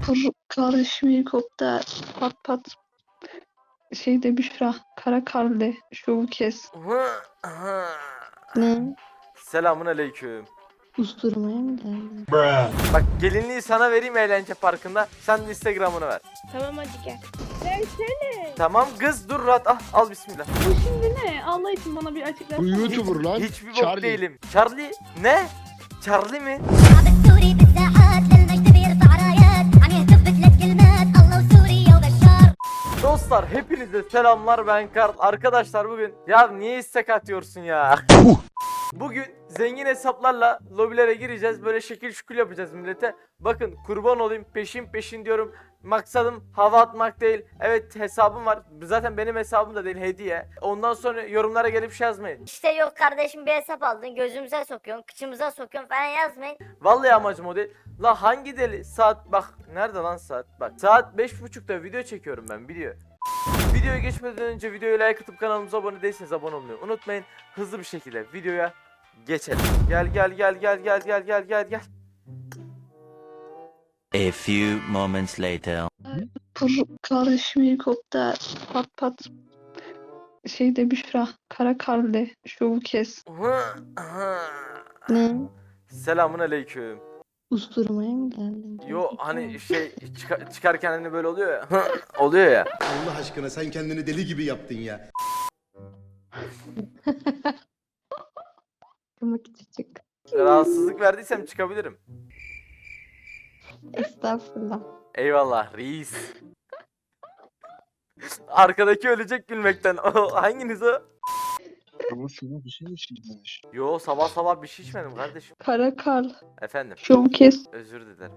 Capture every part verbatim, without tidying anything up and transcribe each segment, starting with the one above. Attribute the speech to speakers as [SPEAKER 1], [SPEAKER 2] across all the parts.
[SPEAKER 1] Kur kardeşim helikopter pat pat şeyde Büşra kara karlı şovu kes. Ne?
[SPEAKER 2] Selamun aleyküm.
[SPEAKER 1] Usturmaya mı geldin?
[SPEAKER 2] Bak gelinliği sana vereyim eğlence parkında. Sen de Instagram'ını ver.
[SPEAKER 3] Tamam hadi gel. Versene.
[SPEAKER 2] Tamam kız dur rahat al, al bismillah.
[SPEAKER 3] Bu şimdi ne? Allah için bana bir açıklasana.
[SPEAKER 4] Bu YouTuber lan.
[SPEAKER 2] Hiçbir bok
[SPEAKER 4] Charlie.
[SPEAKER 2] değilim. Charlie ne? Charlie mi?
[SPEAKER 5] الشعب السوري بالساحات للمجد بيرفع رايات عم يهتف بثلاث كلمات الله وسوريا وبشار.
[SPEAKER 2] Dostlar hepinize selamlar, ben Karl. Arkadaşlar bugün ya niye istek atıyorsun ya? Bugün zengin hesaplarla lobilere gireceğiz. Böyle şekil şukul yapacağız millete. Bakın kurban olayım, peşin peşin diyorum. Maksadım hava atmak değil. Evet hesabım var. Zaten benim hesabım da değil, hediye. Ondan sonra yorumlara gelip şey yazmayın.
[SPEAKER 5] İşte yok kardeşim bir hesap aldın gözümüze sokuyorsun kıçımıza sokuyorsun falan yazmayın.
[SPEAKER 2] Vallahi amacım o değil. La hangi deli saat bak nerede lan saat? Bak saat beş buçukta video çekiyorum ben video. Videoya geçmeden önce videoyu like atıp kanalımıza abone değilseniz abone olmayı unutmayın. Hızlı bir şekilde videoya geçelim. Gel gel gel gel gel gel gel gel gel.
[SPEAKER 6] A few moments later.
[SPEAKER 1] Kur kardeşim helikopter pat pat şeyde Büşra kara karlı şovu kes. Ne?
[SPEAKER 2] Selamun aleyküm.
[SPEAKER 1] Usturmaya mı geldin?
[SPEAKER 2] Yo hani şey çıka- çıkarken hani böyle oluyor ya. Oluyor ya.
[SPEAKER 4] Allah aşkına sen kendini deli gibi yaptın ya.
[SPEAKER 1] Kırmak küçük.
[SPEAKER 2] Rahatsızlık verdiysem çıkabilirim.
[SPEAKER 1] Estağfurullah.
[SPEAKER 2] Eyvallah reis. Arkadaki ölecek gülmekten. O hanginiz o?
[SPEAKER 4] Ama sana bir şey mi içmiş?
[SPEAKER 2] Yo sabah sabah bir şey içmedim kardeşim.
[SPEAKER 1] Kara karl
[SPEAKER 2] Efendim
[SPEAKER 1] şovu kes.
[SPEAKER 2] özür dilerim.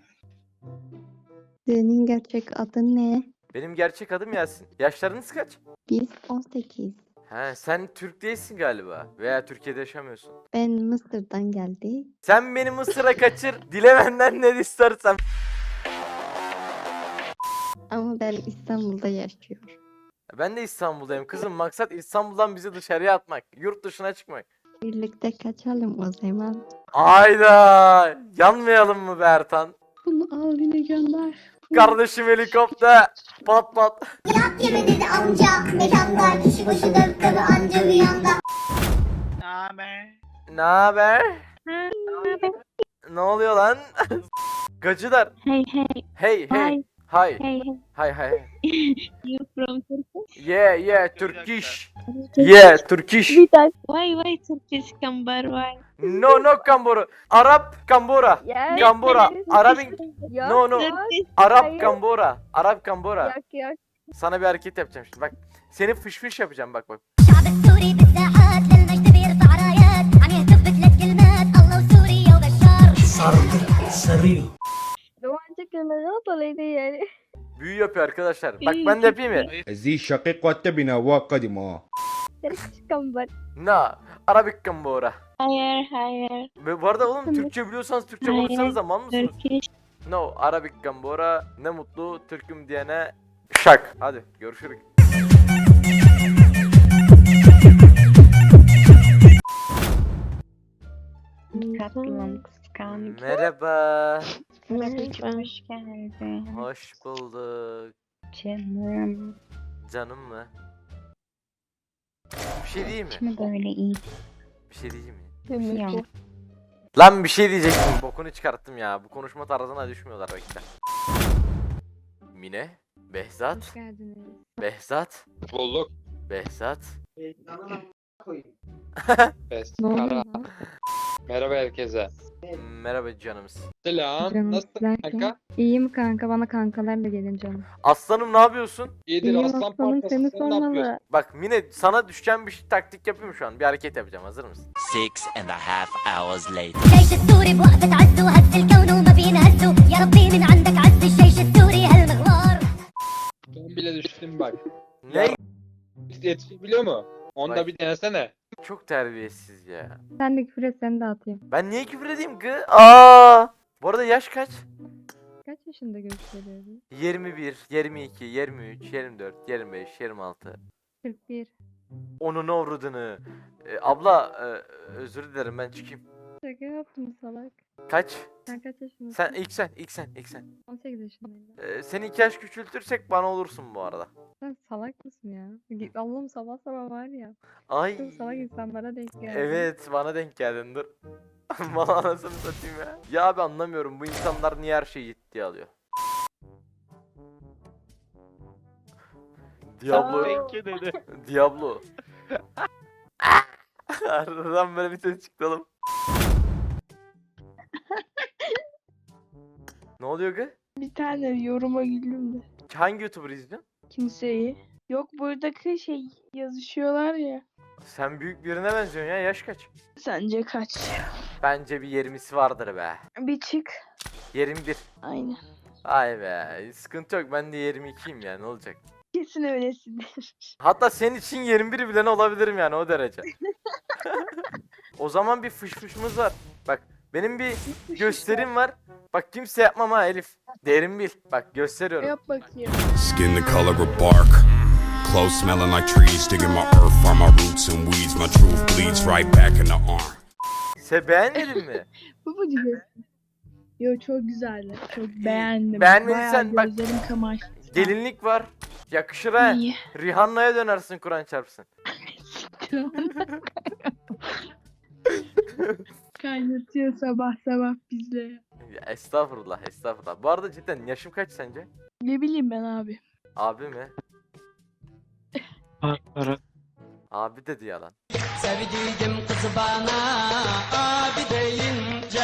[SPEAKER 1] Senin gerçek adın ne?
[SPEAKER 2] Benim gerçek adım Yasin. Yaşlarınız kaç?
[SPEAKER 1] Biz on sekiz.
[SPEAKER 2] He sen Türk değilsin galiba. Veya Türkiye'de yaşamıyorsun.
[SPEAKER 1] Ben Mısır'dan geldi.
[SPEAKER 2] Sen beni Mısır'a kaçır. Dile benden ne istersen.
[SPEAKER 1] Ama ben İstanbul'da yaşıyorum.
[SPEAKER 2] Ben de İstanbul'dayım kızım. Maksat İstanbul'dan bizi dışarıya atmak. Yurt dışına çıkmak.
[SPEAKER 1] Birlikte kaçalım o zaman.
[SPEAKER 2] Ayda yanmayalım mı be Ertan?
[SPEAKER 1] Bunu al yine gönder.
[SPEAKER 2] Kardeşim helikopter. Pat pat.
[SPEAKER 5] Yat yeme dedi amca mekanda kişi başı dört tabi anca bir yanda.
[SPEAKER 2] Ne haber? Ne oluyor lan? Gacılar.
[SPEAKER 3] Hey hey.
[SPEAKER 2] Hey hey.
[SPEAKER 3] Hi.
[SPEAKER 2] Hi.
[SPEAKER 3] Hey hey.
[SPEAKER 2] Hi hi.
[SPEAKER 3] You from Turkey?
[SPEAKER 2] Yeah yeah Turkish. Yeah Turkish.
[SPEAKER 3] Why why Turkish kambar why?
[SPEAKER 2] No no Kambora. Arap Kambora.
[SPEAKER 3] Yes.
[SPEAKER 2] Kambora. Arabic. No no.
[SPEAKER 3] Turkish.
[SPEAKER 2] Arap Kambora. Arap Kambora.
[SPEAKER 3] Yak yak.
[SPEAKER 2] Sana bir hareket yapacağım şimdi bak. Seni fış fış yapacağım bak bak.
[SPEAKER 5] الشعب السوري بالساحات للمجد بيرفع رايات عم يهتف بثلاث كلمات الله وسوريا وبشار.
[SPEAKER 3] Romanca kelimeleri dolayı yani.
[SPEAKER 2] Büyü yapıyor arkadaşlar. Bak ben de yapayım ya.
[SPEAKER 4] زي الشقيق والتبنى وقدمه.
[SPEAKER 3] Turkish kambar.
[SPEAKER 2] Na. Arabik Kambora.
[SPEAKER 3] Hayır hayır.
[SPEAKER 2] Ve bu arada oğlum Türkçe biliyorsanız Türkçe
[SPEAKER 3] Hayır.
[SPEAKER 2] konuşsanız zaman mısınız?
[SPEAKER 3] Turkish.
[SPEAKER 2] No. Arabik Kambora. Ne mutlu Türk'üm diyene şak. Hadi görüşürüz.
[SPEAKER 3] Tatlım kıskanç.
[SPEAKER 2] Merhaba.
[SPEAKER 3] Merhaba. Hoş geldin.
[SPEAKER 2] Hoş bulduk.
[SPEAKER 3] Canım.
[SPEAKER 2] Canım mı? Bir şey diyeyim mi?
[SPEAKER 3] Kimi böyle iyi?
[SPEAKER 2] Bir şey diyeyim mi?
[SPEAKER 3] Ya.
[SPEAKER 2] Lan bir şey diyecektim. Bokunu çıkarttım ya. Bu konuşma tarzına düşmüyorlar bekle. Mine, Behzat,
[SPEAKER 3] Hoş geldiniz.
[SPEAKER 2] Behzat,
[SPEAKER 7] Bulduk.
[SPEAKER 2] Behzat.
[SPEAKER 7] Best.
[SPEAKER 1] Ne oluyor
[SPEAKER 7] Kara.
[SPEAKER 1] lan?
[SPEAKER 7] Merhaba herkese.
[SPEAKER 2] Merhaba canımız.
[SPEAKER 7] Selam.
[SPEAKER 1] Canım
[SPEAKER 7] Nasılsın
[SPEAKER 1] derken?
[SPEAKER 7] kanka?
[SPEAKER 1] İyiyim kanka bana kankalarla gelin canım.
[SPEAKER 2] Aslanım ne yapıyorsun?
[SPEAKER 7] İyidir
[SPEAKER 1] İyiyim
[SPEAKER 7] aslan
[SPEAKER 1] aslanım
[SPEAKER 7] parçası.
[SPEAKER 1] seni
[SPEAKER 7] Sen ne yapıyorsun?
[SPEAKER 1] sormalı.
[SPEAKER 2] Bak Mine sana düşen bir şey- taktik yapayım şu an. Bir hareket yapacağım. Hazır mısın?
[SPEAKER 6] Six and a half hours later.
[SPEAKER 5] الجيش السوري بوقفة عز وهز الكون وما بينهزوا يا ربي من عندك عز الجيش السوري هالمغوار.
[SPEAKER 7] Ben bile düştüm bak.
[SPEAKER 2] Ne?
[SPEAKER 7] Yetişik biliyor mu? Onu
[SPEAKER 2] Bak.
[SPEAKER 7] da bir denesene.
[SPEAKER 2] Çok terbiyesiz ya.
[SPEAKER 1] Sen de küfür et seni de atayım.
[SPEAKER 2] Ben niye küfür edeyim ki? Aa! Bu arada yaş kaç?
[SPEAKER 1] Kaç yaşında gösteriyorsun?
[SPEAKER 2] yirmi bir, yirmi iki, yirmi üç, yirmi dört, yirmi beş, yirmi altı.
[SPEAKER 1] kırk bir.
[SPEAKER 2] Onun avradını. Ee, abla e, özür dilerim ben çıkayım.
[SPEAKER 8] Şaka yaptım salak.
[SPEAKER 2] Kaç?
[SPEAKER 8] Sen kaç yaşındasın?
[SPEAKER 2] Sen ilk sen ilk sen ilk sen.
[SPEAKER 8] on sekiz yaşındayım.
[SPEAKER 2] Ee, seni iki yaş küçültürsek bana olursun bu arada.
[SPEAKER 8] Sen salak mısın ya? Git- Allah'ım sabah sabah var ya.
[SPEAKER 2] Ay.
[SPEAKER 8] Çok salak insanlara denk geldi.
[SPEAKER 2] Evet bana denk geldin dur. Bana anasını satayım ya. Ya abi anlamıyorum bu insanlar niye her şeyi ciddiye alıyor. Diablo. Diablo. Aradan böyle bir ses çıktı oğlum. Ne oluyor ki?
[SPEAKER 9] Bir tane yoruma güldüm de.
[SPEAKER 2] Hangi YouTuber izliyorsun?
[SPEAKER 9] Kimseyi. Yok buradaki şey yazışıyorlar ya.
[SPEAKER 2] Sen büyük birine benziyorsun ya, yaş kaç?
[SPEAKER 9] Sence kaç?
[SPEAKER 2] Bence bir yirmisi vardır be.
[SPEAKER 9] Bir çık.
[SPEAKER 2] yirmi bir.
[SPEAKER 9] Aynen.
[SPEAKER 2] Ay be, sıkıntı yok, ben de yirmi ikiyim ya, ne olacak?
[SPEAKER 9] Kesin öylesindir.
[SPEAKER 2] Hatta senin için yirmi bir bile ne olabilirim yani, o derece. O zaman bir fış fışımız var. Bak benim bir gösterim var. Bak kimse yapmam ha Elif. Derin bil. Bak gösteriyorum.
[SPEAKER 9] Yap bakayım.
[SPEAKER 10] Skin the color of bark. Clothes smelling like trees. Digging my earth from my roots and weeds. My truth bleeds right back in the arm.
[SPEAKER 2] Sen beğenmedin mi?
[SPEAKER 9] Bu mu diyorsun? Yo çok güzeldi. Çok beğendim.
[SPEAKER 2] Beğenmediysen
[SPEAKER 9] Bayağı
[SPEAKER 2] bak-
[SPEAKER 9] gözlerim kamaştı.
[SPEAKER 2] Gelinlik var. Yakışır ha.
[SPEAKER 9] İyi.
[SPEAKER 2] Rihanna'ya dönersin Kur'an çarpsın.
[SPEAKER 9] Kaynatıyor sabah sabah bizle.
[SPEAKER 2] Ya, estağfurullah estağfurullah. Bu arada cidden yaşım kaç sence?
[SPEAKER 9] Ne bileyim ben abi.
[SPEAKER 2] Abi mi? Abi dedi yalan.
[SPEAKER 11] Sevdiğim kızı bana abi deyince.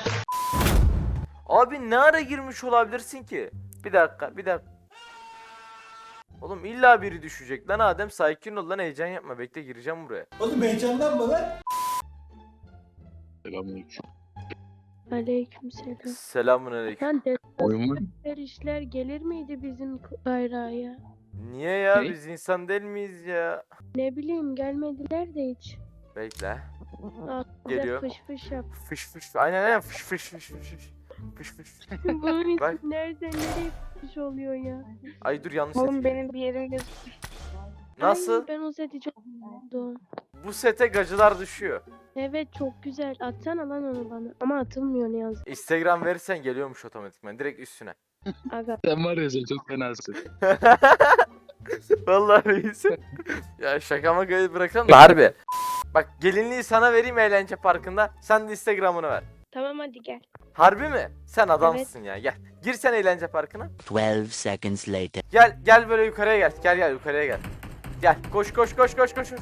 [SPEAKER 2] Abi ne ara girmiş olabilirsin ki? Bir dakika bir dakika. Oğlum illa biri düşecek lan Adem, sakin ol lan, heyecan yapma, bekle gireceğim buraya.
[SPEAKER 11] Oğlum heyecanlanma lan.
[SPEAKER 4] Selamünaleyküm.
[SPEAKER 9] Aleykümselam.
[SPEAKER 2] Selamünaleyküm.
[SPEAKER 9] Sen
[SPEAKER 4] Oyun mu?
[SPEAKER 9] defter işler gelir miydi bizim bayrağa?
[SPEAKER 2] Niye ya,
[SPEAKER 7] Ne?
[SPEAKER 2] biz insan değil miyiz ya?
[SPEAKER 9] Ne bileyim gelmediler de hiç.
[SPEAKER 2] Bekle.
[SPEAKER 9] Aa,
[SPEAKER 2] Geliyor.
[SPEAKER 9] Fış fış yap.
[SPEAKER 2] Fış fış. Aynen aynen fış fış fış fış fış. Fış fış.
[SPEAKER 9] Bunun
[SPEAKER 2] Bak.
[SPEAKER 9] ismi nereden nereye fış oluyor ya?
[SPEAKER 2] Ay dur yanlış
[SPEAKER 3] Oğlum
[SPEAKER 2] set.
[SPEAKER 3] benim bir yerim göz.
[SPEAKER 2] Nasıl?
[SPEAKER 9] Ay, ben o seti çok sevdim.
[SPEAKER 2] Bu sete gacılar düşüyor.
[SPEAKER 9] Evet çok güzel. Atsana lan onu bana. Ama atılmıyor ne yazık.
[SPEAKER 2] Instagram verirsen geliyormuş otomatikman direkt üstüne.
[SPEAKER 9] Aga.
[SPEAKER 4] Sen var ya sen çok fenasın.
[SPEAKER 2] Vallahi reisim. Ya şaka makayı bırakalım da harbi. Bak gelinliği sana vereyim eğlence parkında. Sen de Instagram'ını ver.
[SPEAKER 9] Tamam hadi gel.
[SPEAKER 2] Harbi mi? Sen adamsın ya, gel. Gir sen eğlence parkına.
[SPEAKER 6] Twelve seconds later.
[SPEAKER 2] Gel gel böyle yukarıya gel. Gel gel yukarıya gel. Gel koş koş koş koş koş.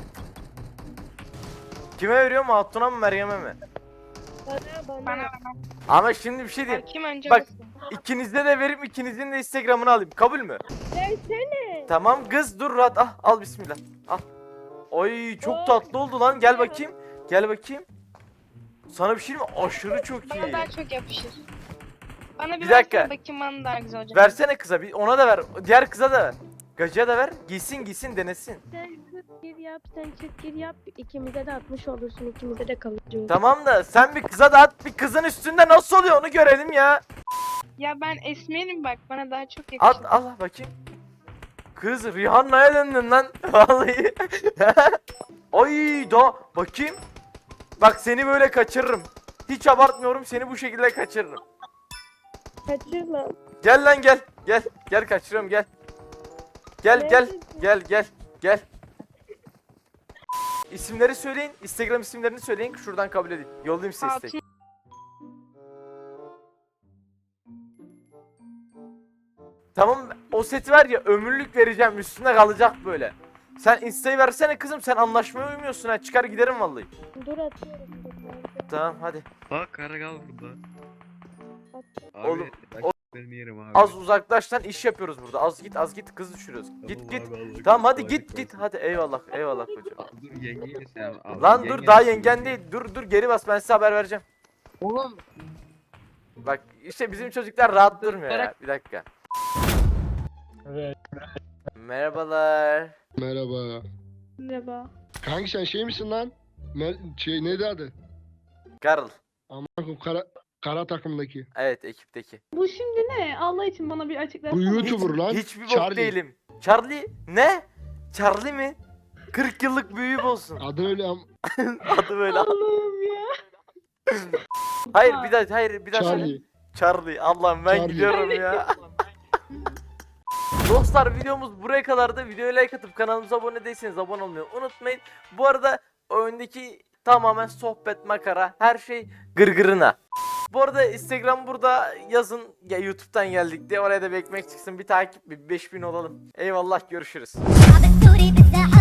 [SPEAKER 2] Kime veriyorum, Hatun'a mı Meryem'e mi?
[SPEAKER 9] Bana bana.
[SPEAKER 3] Bana
[SPEAKER 2] Ama şimdi bir şey diyeyim.
[SPEAKER 3] kim önce
[SPEAKER 2] Bak
[SPEAKER 3] basın?
[SPEAKER 2] ikinize de verip ikinizin de Instagram'ını alayım. Kabul mü?
[SPEAKER 9] Versene.
[SPEAKER 2] Tamam kız dur rahat. Ah, al bismillah. Al. Oy çok tatlı oldu lan. Gel bakayım. Gel bakayım. Sana bir şey mi? Aşırı çok
[SPEAKER 3] Bana
[SPEAKER 2] iyi.
[SPEAKER 3] daha çok yapışır. Bana bir,
[SPEAKER 2] Bir dakika.
[SPEAKER 3] versene bakayım bana daha güzel olacak.
[SPEAKER 2] Versene kıza bir, ona da ver. Diğer kıza da ver. Gacıya da ver. Giysin giysin denesin.
[SPEAKER 9] Sen çık gir yap, sen çık gir yap. İkimize de atmış olursun, ikimize de kalıcı olur.
[SPEAKER 2] Tamam da sen bir kıza da at. Bir kızın üstünde nasıl oluyor onu görelim ya.
[SPEAKER 3] Ya ben esmerim bak bana daha çok yakışır.
[SPEAKER 2] At al bakayım. Kız Rihanna'ya döndün lan. Vallahi. Ay da bakayım. Bak seni böyle kaçırırım. Hiç abartmıyorum, seni bu şekilde kaçırırım.
[SPEAKER 9] Kaçır lan.
[SPEAKER 2] Gel lan gel. Gel. Gel kaçırıyorum gel. Gel gel.
[SPEAKER 9] Neredesin?
[SPEAKER 2] Gel gel. Gel. İsimleri söyleyin. Instagram isimlerini söyleyin ki şuradan kabul edeyim. Yollayayım size istek.
[SPEAKER 3] Altın
[SPEAKER 2] Tamam o seti ver ya, ömürlük vereceğim, üstünde kalacak böyle. Sen Insta'yı versene kızım, sen anlaşmaya uymuyorsun ha, çıkar giderim vallahi.
[SPEAKER 9] Dur atıyorum. dur, nerede?
[SPEAKER 2] Tamam hadi.
[SPEAKER 12] Bak Karagal burada. Abi,
[SPEAKER 2] Oğlum,
[SPEAKER 12] ben
[SPEAKER 2] o-
[SPEAKER 12] benim yerim abi.
[SPEAKER 2] Az uzaklaştan iş yapıyoruz burada. Az git az git, kız düşürüyoruz. Git git. Tamam hadi git git. Hadi eyvallah eyvallah kocam.
[SPEAKER 12] Dur yengeyi sen al.
[SPEAKER 2] Lan dur
[SPEAKER 12] Yengen-
[SPEAKER 2] daha yengen değil. Dur dur geri bas, ben size haber vereceğim.
[SPEAKER 7] Oğlum.
[SPEAKER 2] Bak işte bizim çocuklar rahat durmuyor ya. Bir dakika.
[SPEAKER 7] Evet.
[SPEAKER 2] Merhabalar.
[SPEAKER 4] Merhaba.
[SPEAKER 9] Merhaba.
[SPEAKER 4] Kanki sen şey misin lan? Mer şey neydi adı?
[SPEAKER 2] Karl.
[SPEAKER 4] Aman kara, kara takımdaki.
[SPEAKER 2] Evet ekipteki.
[SPEAKER 9] Bu şimdi ne? Allah için bana bir açıklasana.
[SPEAKER 4] Bu YouTuber lan.
[SPEAKER 2] Hiçbir bok
[SPEAKER 4] Charlie.
[SPEAKER 2] değilim. Charlie ne? Charlie mi? kırk yıllık büyüğüm olsun.
[SPEAKER 4] Adı öyle am.
[SPEAKER 2] Adı böyle.
[SPEAKER 9] Allah'ım ya.
[SPEAKER 2] Hayır bir daha hayır bir daha söyle.
[SPEAKER 4] Charlie.
[SPEAKER 2] Charlie. Allah'ım ben
[SPEAKER 4] Charlie.
[SPEAKER 2] gidiyorum ya. Dostlar videomuz buraya kadardı. Videoya like atıp kanalımıza abone değilseniz abone olmayı unutmayın. Bu arada oyundaki tamamen sohbet, makara, her şey gırgırına. Bu arada Instagram burada, yazın ya YouTube'dan geldik diye, oraya da bir ekmek çıksın, bir takip, bir beş bin olalım. Eyvallah, görüşürüz.
[SPEAKER 5] الشعب السوري بالساحة